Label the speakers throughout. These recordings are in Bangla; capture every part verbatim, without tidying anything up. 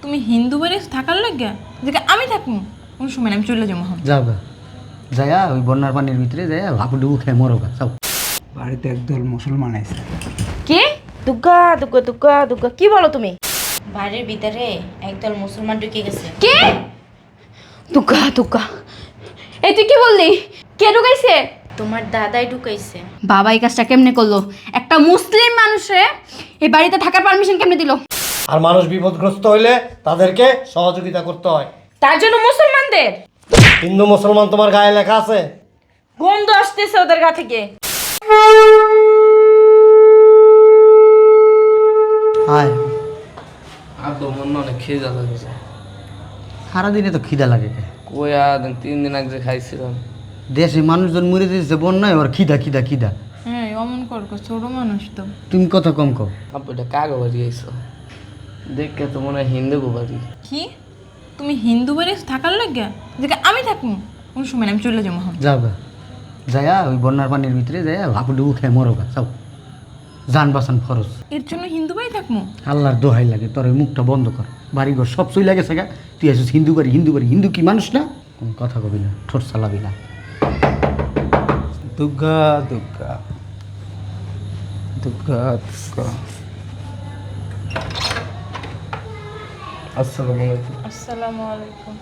Speaker 1: তুমি হিন্দু বাড়ি থাকার লাগে যে আমি থাকবো কোন সময় না, আমি চলে যাবো।
Speaker 2: যাও গা, যায়া ওই বন্যার পানির ভিতরে যায়া হাবুডুবু খেয়ে মরো গা, যাও।
Speaker 3: বাড়িতে একদল মুসলমান আছে।
Speaker 4: কি দুগ্গা দুগ্গা দুগ্গা দুগ্গা কি বলো তুমি? বাড়ির ভিতরে একদল মুসলমান ঢুকে গেছে।
Speaker 5: কে? দুগ্গা দুগ্গা, এই তুই কি বললি? কে ঢুকাইছে?
Speaker 4: তোমার দাদাই ঢুকাইছে।
Speaker 5: বাবা এই কাজটা কেমনে করলো? একটা মুসলিম মানুষে এই বাড়িতে থাকার পারমিশন কেমনে দিল?
Speaker 6: আর মানুষ বিপদগ্রস্ত হইলে তাদেরকে সহযোগিতা করতে হয়।
Speaker 4: তার জন্য মুসলমানদের
Speaker 6: হিন্দু মুসলমান তোমার গায়ে লেখা আছে?
Speaker 4: গন্ধ আসতেছে ওদের গা থেকে।
Speaker 2: হায়,
Speaker 7: আব্বা মনে অনেক খিদা লাগছে।
Speaker 2: সারাদিনে তো খিদা লাগে কে?
Speaker 7: কই আর তিন দিন আগে যে খাইছিলাম।
Speaker 2: দেশে মানুষজন মরে দিয়েছে বন্যায়, ওর খিদা খিদা খিদা।
Speaker 1: হ্যাঁ অমন কর, ছোট মানুষ তো।
Speaker 2: তুমি কথা কম কও।
Speaker 7: আব্বা এটা কাগো বাড়ি আইসো, দেখে তো মনে হয় হিন্দু গো বাড়ি।
Speaker 1: কি তুমি হিন্দু বাড়ি থাকার লাগে যে আমি থাকবো কোন সময় না, আমি চলে যাবো।
Speaker 2: যাও গা, যায়া ওই বন্যার পানির ভিতরে যায়া হাবুডুবু খেয়ে মরো গা, যাও। জান বাঁচান ফরজ।
Speaker 1: এর জন্য হিন্দু বাড়ি থাকবো?
Speaker 2: আল্লাহর দোহাই লাগে, তোর ওই মুখটা বন্ধ কর। বাড়িঘর সব চই লাগেছে গা, তুই আসিস হিন্দু বাড়ি হিন্দু বাড়ি। হিন্দু কি মানুষ না? কোন কথা কবি না, ঠোঁট চালাবি না।
Speaker 3: দুর্গা দুর্গা দুর্গা দুর্গা।
Speaker 7: আসসালামু আলাইকুম।
Speaker 1: আসসালামু আলাইকুম।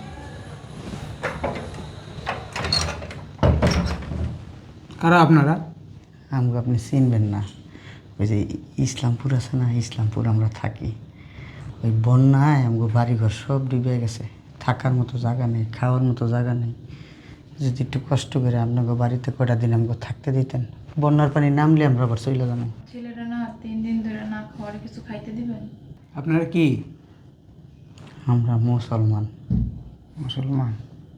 Speaker 3: কারা আপনারা?
Speaker 2: আমাকে আপনি চিনবেন না, ওই যে ইসলামপুর আছে না, ইসলামপুর আমরা থাকি। ওই বন্যায় আমাকে বাড়িঘর সব ডুবে গেছে, থাকার মতো জায়গা নেই, খাওয়ার মতো জায়গা নেই। যদি একটু কষ্ট করে আপনাকে বাড়িতে কয়টা দিন আমাকে থাকতে দিতেন, বন্যার পানি নামলে আমরা আবার চলে যাবো।
Speaker 1: ছেলেটা না তিন দিন ধরে না খাওয়ার কিছু খাইতে দিবেন?
Speaker 3: আপনারা কি
Speaker 2: আমরা মুসলমান।
Speaker 3: মুসলমান?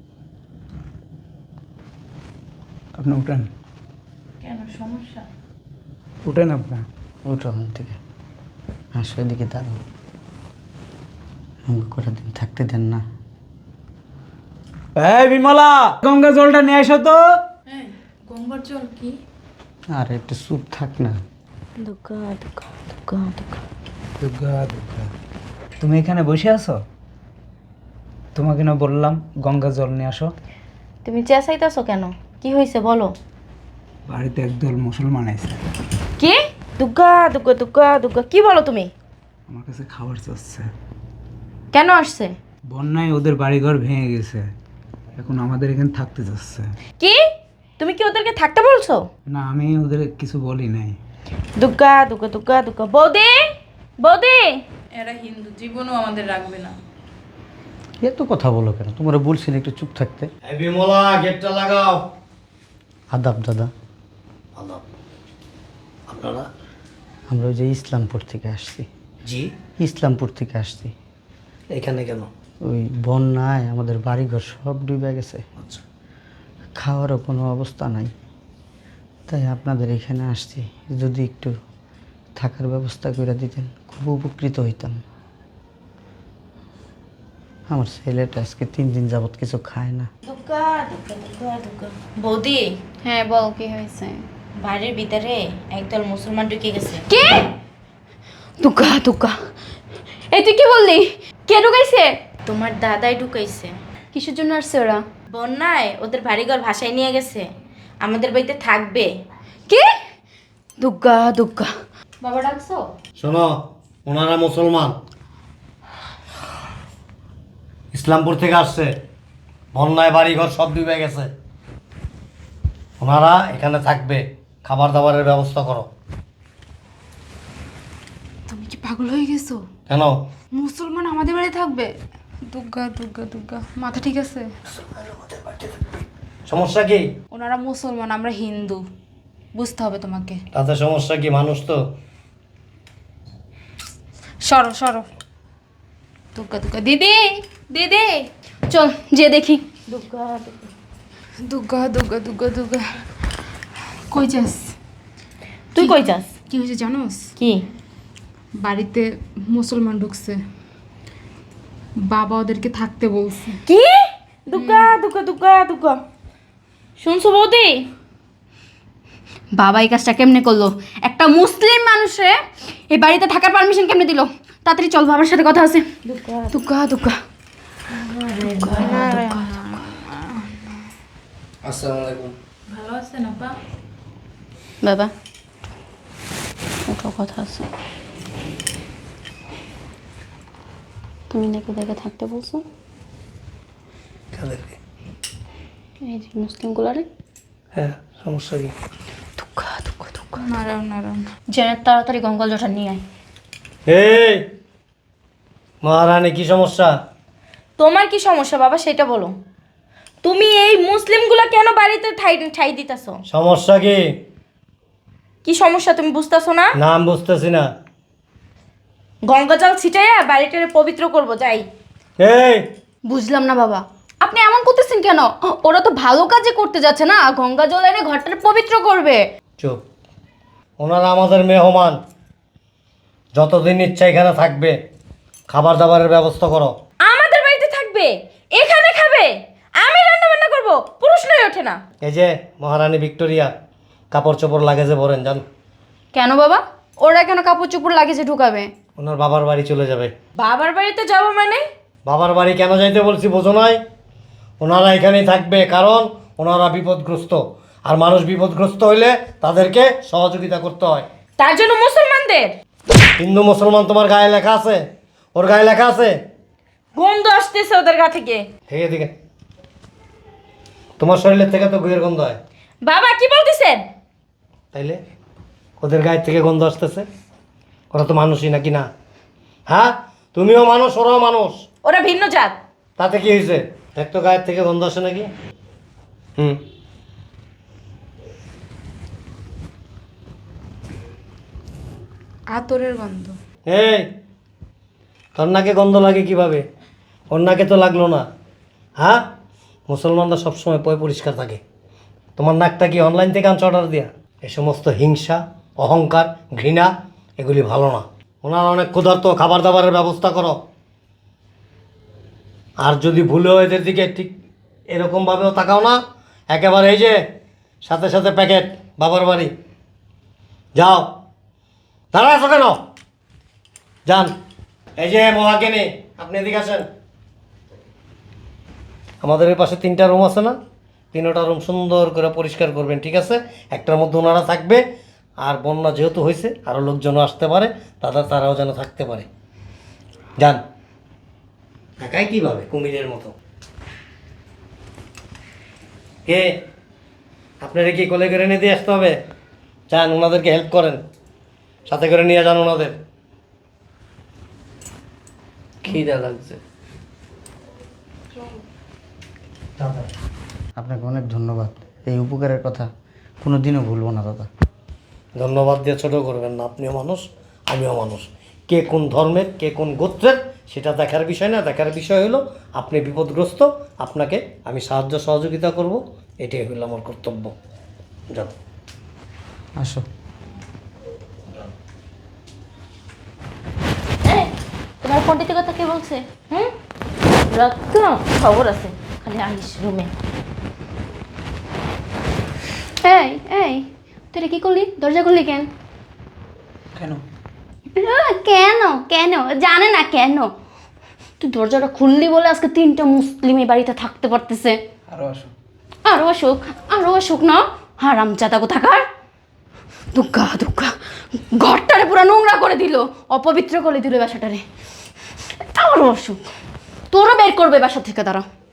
Speaker 3: আপনি উঠেন,
Speaker 1: কেন সমস্যা?
Speaker 3: উঠেন আপনার।
Speaker 2: উঠো ওখান থেকে, হাসো এদিকে দাঁড়াও। আমাকে কয়টা দিন থাকতে দেন না।
Speaker 3: এই বিমলা, গঙ্গা জলটা নিয়ে আসো তো।
Speaker 1: হ্যাঁ গঙ্গার জল কি?
Speaker 2: আর একটু চুপ থাক না।
Speaker 4: দুগ্গা দুগ্গা দুগ্গা দুগ্গা
Speaker 3: দুর্গা দুর্গা। তুমি এখানে বসে আছো? তোমাকে না বললাম গঙ্গা জল নিয়ে আসো।
Speaker 4: তুমি চেঁচাইতেছো কেন? কি হয়েছে বলো?
Speaker 3: বাড়িতে একদল মুসলমান আছে।
Speaker 4: কি দুগ্গা দুগ্গা দুগ্গা দুগ্গা কি বলো তুমি?
Speaker 3: আমার কাছে খাবার চাচ্ছে।
Speaker 4: কেন আসছে?
Speaker 3: বন্যায় ওদের বাড়িঘর ভেঙে গেছে, এখন আমাদের এখানে থাকতে যাচ্ছে।
Speaker 4: কি তুমি কি ওদেরকে থাকতে বলছো?
Speaker 3: না, আমি ওদের কিছু বলি নাই।
Speaker 4: দুগ্গা দুগ্গা দুগ্গা দুগ্গা। বৌদি বৌদি,
Speaker 1: এরা হিন্দু, জীবনও আমাদের রাখবে না।
Speaker 2: এত কথা বলো কেন? তোমরা বলছি না একটু চুপ থাকতে।
Speaker 6: এই বিমলা, গেটটা লাগাও।
Speaker 2: আদাব দাদা।
Speaker 6: আদাব। আপনারা?
Speaker 2: আমরা ওই যে ইসলামপুর থেকে আসছি।
Speaker 6: জি।
Speaker 2: ইসলামপুর থেকে আসছি।
Speaker 6: এখানে কেন?
Speaker 2: ওই বন্যায় আমাদের বাড়িঘর সব ডুবে গেছে,
Speaker 6: আচ্ছা।
Speaker 2: খাওয়ারও কোনো অবস্থা নাই, তাই আপনাদের এখানে আসছি। যদি একটু থাকার ব্যবস্থা করে দিতেন খুব উপকৃত হইতাম। আমার ছেলেটা আজকে তিন দিন যাবত কিছু খায় না।
Speaker 4: দুগ্গা দুগ্গা দুগ্গা দুগ্গা। বৌদি,
Speaker 5: হ্যাঁ বল কি হয়েছে?
Speaker 4: বাড়ির ভিতরে একদল মুসলমান ঢুকে গেছে।
Speaker 5: কে? দুগ্গা দুগ্গা, এই তুই কি বললি? কে ঢুকাইছে?
Speaker 4: তোমার দাদাই ঢুকাইছে।
Speaker 5: কিসের জন্য আসছে ওরা?
Speaker 4: বন্যায় ওদের বাড়িঘর ভাসায় নিয়ে গেছে, আমাদের বাড়িতে থাকবে।
Speaker 5: কি? দুগ্গা দুগ্গা। বাবা ডাকছো?
Speaker 6: শোনো, ওনারা মুসলমান, ইসলামপুর থেকে আসছে। বন্যায় বাড়িঘর সব ডুবে গেছে, ওনারা এখানে থাকবে। খাবার দাবারের ব্যবস্থা করো।
Speaker 5: তুমি কি পাগল হয়ে গেছো?
Speaker 6: কেন?
Speaker 5: মুসলমান আমাদের বাড়ি থাকবে? দুগ্গা দুগ্গা দুগ্গা, মাথা ঠিক আছে?
Speaker 6: সমস্যা কি?
Speaker 5: ওনারা মুসলমান, আমরা হিন্দু, বুঝতে হবে তোমাকে।
Speaker 6: তাতে সমস্যা কি? মানুষ তো।
Speaker 5: সরো সরো। দুগ্গা দুগ্গা। দিদি দিদি চল যে দেখি।
Speaker 4: দুগ্গা দুগ্গা।
Speaker 5: দুগ্গা দুগ্গা দুগ্গা দুগ্গা। কই যাস?
Speaker 4: তুই কই যাস?
Speaker 5: কি হয়েছে জানোস?
Speaker 4: কি?
Speaker 5: বাড়িতে মুসলমান ঢুকছে, বাবা ওদেরকে থাকতে বলছে।
Speaker 4: কি? দুগ্গা দুগ্গা দুগ্গা দুগ্গা। শুনছো বৌদি?
Speaker 5: বাবা এই কাজটা কেমনে করলো? একটা মুসলিম মানুষে এই বাড়িতে থাকার পারমিশন কেমনে দিল? তাড়াতাড়ি চল, বাবার সাথে কথা আছে। দুগ্গা দুগ্গা
Speaker 7: আসসালামু আলাইকুম।
Speaker 1: ভালো আছেন আপা?
Speaker 5: বাবা একটা কথা আছে। তুমি নাকি দেখে থাকতে বলছো
Speaker 6: কাদেরকে?
Speaker 5: এই যে মুসলিমগুলারে।
Speaker 6: হ্যাঁ, সমস্যা কি?
Speaker 5: দুগ্গা দুগ্গা দুগ্গা
Speaker 1: নারায়ণ নারায়ণ।
Speaker 5: জেনে তাড়াতাড়ি গঙ্গাল জটা নিয়ে আয়।
Speaker 6: এই মহারানী, কি সমস্যা?
Speaker 4: তোমার কি সমস্যা বাবা সেটা বলো। তুমি এই মুসলিমগুলা কেন বাড়িতে ঠাই ঠাই দিতেছো?
Speaker 6: সমস্যা কি?
Speaker 4: কি সমস্যা তুমি বুঝতেছো না?
Speaker 6: নাম বুঝতেছি না।
Speaker 4: গঙ্গা জল ছিটাইয়া বাড়িটারে পবিত্র করব যাই।
Speaker 6: এই
Speaker 5: বুঝলাম না বাবা, আপনি এমন করতেছেন কেন? ওরা তো ভালো কাজে করতে যাচ্ছে না, গঙ্গা জল এনে ঘরটা পবিত্র করবে।
Speaker 6: চুপ। ওনারা আমাদের মেহমান, যতদিন ইচ্ছা এখানে থাকবে। খাবার দাবারের ব্যবস্থা করো।
Speaker 4: আমাদের বাড়িতে থাকবে, এখানে খাবে, আমি রান্না বান্না করব, প্রশ্নই ওঠে না।
Speaker 6: এই যে মহারানী ভিক্টোরিয়া, কাপড় চোপড় লাগেজে ভরেন যান।
Speaker 5: কেন বাবা, ওরা কেন কাপড় চোপড় লাগেজে ঢুকাবে?
Speaker 6: ওনার বাবার বাড়ি চলে যাবে।
Speaker 4: বাবার বাড়িতে যাব মানে?
Speaker 6: বাবার বাড়ি কেন যাইতে বলছি বোঝো নাই? ওনারা এখানেই থাকবে, কারণ ওনারা বিপদগ্রস্ত, আর মানুষ বিপদগ্রস্ত হইলে তাদেরকে সহযোগিতা করতে হয়।
Speaker 4: তার জন্য মুসলমানদের
Speaker 6: হিন্দু মুসলমান তোমার গায়ে লেখা আছে? ওর গায়ে লেখা আছে?
Speaker 4: গন্ধ আসতেছে ওদের গা থেকে।
Speaker 6: ঠিক এদিকে। তোমার শরীরের থেকে তো গুয়ের গন্ধ হয়।
Speaker 4: বাবা কি বলতেছেন?
Speaker 6: তাইলে ওদের গায়ের থেকে গন্ধ আসতেছে? ওরা তো মানুষই নাকি না? হ্যাঁ, তুমিও মানুষ, ওরাও মানুষ।
Speaker 4: ওরা ভিন্ন জাত।
Speaker 6: তাতে কি হয়েছে? দেখ তো গায়ের থেকে গন্ধ আসে নাকি? হুম।
Speaker 1: আতরের গন্ধ।
Speaker 6: এই, তোর নাকে গন্ধ লাগে কিভাবে? ওর নাকে তো লাগলো না। হ্যাঁ, মুসলমানরা সবসময় পয় পরিষ্কার থাকে। তোমার নাকটা কি অনলাইন থেকে আনছো অর্ডার দিয়া? এই সমস্ত হিংসা, অহংকার, ঘৃণা এগুলি ভালো না। ওনার অনেক ক্ষুধার্ত, খাবার দাবারের ব্যবস্থা করো। আর যদি ভুলেও এদের দিকে ঠিক এরকমভাবেও তাকাও না, একেবারে এই যে সাথে সাথে প্যাকেট বাবার বাড়ি যাও। দাঁড়া আছো কেন? যান। এই যে মহাকেনি, আপনি এদিকে আসেন। আমাদের এই পাশে তিনটা রুম আছে না? তিনটা রুম সুন্দর করে পরিষ্কার করবেন, ঠিক আছে? একটার মধ্যে ওনারা থাকবে, আর বন্যা যেহেতু হয়েছে আরও লোকজনও আসতে পারে, তাদের তারাও যেন থাকতে পারে। যান। একাই কীভাবে কুমিরের মতো? কে আপনারা কি কোলে করে নিয়ে দিয়ে আসতে হবে? যান, ওনাদেরকে হেল্প করেন, সাথে করে নিয়ে যান ওনাদের।
Speaker 7: খিদা লাগছে।
Speaker 2: আপনাকে অনেক ধন্যবাদ, এই উপকারের কথা কোনো দিনও ভুলবো না দাদা।
Speaker 6: ধন্যবাদ দিয়ে ছোটো করবেন না, আপনিও মানুষ, আমিও মানুষ। কে কোন ধর্মের, কে কোন গোত্রের সেটা দেখার বিষয় না। দেখার বিষয় হলো আপনি বিপদগ্রস্ত, আপনাকে আমি সাহায্য সহযোগিতা করব, এটাই হলো আমার কর্তব্য। যাও।
Speaker 2: আসো।
Speaker 4: এই, তোমার ফোনটিতে কথা কে বলছে? হুম, রক্ত খবর আছে, খালি আইস রুমে।
Speaker 5: এই এই তুই কি করলি? দরজা খুললি কেন?
Speaker 3: কেন?
Speaker 5: আহ, কেন কেন জানে না কেন? তুই দরজাটা খুললি বলে আজকে তিনটা মুসলিম এই বাড়িতে থাকতে পারতেছে।
Speaker 3: আরো আসো।
Speaker 5: আরো অসুখ, আরো অসুখ না, হারাম জাদা কোথাকার। দুগ্গা দুগ্গা ঘরটারে পুরো নোংরা করে দিল, অপবিত্র করে দিল বাসাটারে। আরো অসুখ, তোরও বের করবে বাসা থেকে, দাঁড়া।